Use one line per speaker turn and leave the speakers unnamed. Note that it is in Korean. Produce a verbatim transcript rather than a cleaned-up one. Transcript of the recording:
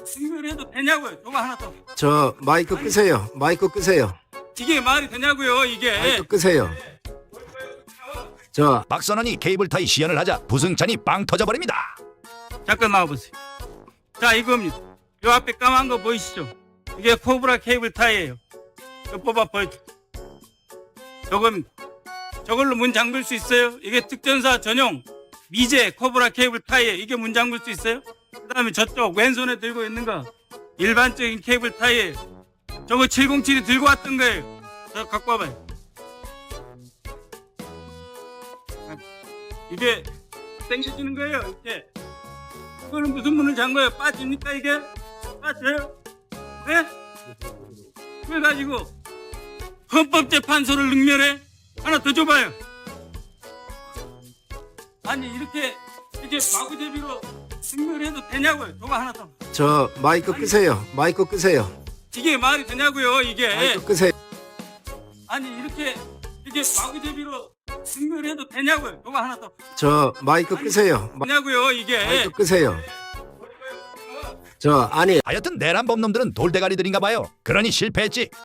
승인해도 되냐고요. 저거 하나 더.
저 마이크 끄세요. 마이크 끄세요.
이게 말이 되냐고요. 이게.
마이크 끄세요. 저
박선원이 케이블타이 시연을 하자 부승찬이 빵 터져버립니다.
잠깐 나와보세요. 자, 이겁니다. 요 앞에 까만 거 보이시죠? 이게 코브라 케이블 타이예요. 이거 뽑아 보여줘. 저겁니다. 저걸로 문 잠글 수 있어요? 이게 특전사 전용 미제 코브라 케이블 타이에 이게 문 잠글 수 있어요? 그 다음에 저쪽 왼손에 들고 있는 거 일반적인 케이블 타이에 저거 칠공칠이 들고 왔던 거예요. 저 갖고 와봐요. 이게 당겨지는 거예요. 이렇게. 이거는 무슨 문을 잠궈요? 빠집니까 이게? 빠져요? 네? 그래가지고 헌법재판소를 능멸해? 하나 더 줘봐요. 아니 이렇게 이게 마구제비로 능멸해도 되냐고요. 저거 하나 더.
저 마이크 끄세요. 마이크 끄세요.
이게 말이 되냐고요. 이게.
마이크 끄세요.
아니 이렇게 이게 마구제비로 능멸해도 되냐고요. 저거 하나 더.
저 마이크 끄세요. 마-
되냐고요. 이게.
마이크 끄세요. 저 아니
하여튼 내란 범놈들은 돌대가리들인가 봐요. 그러니 실패했지.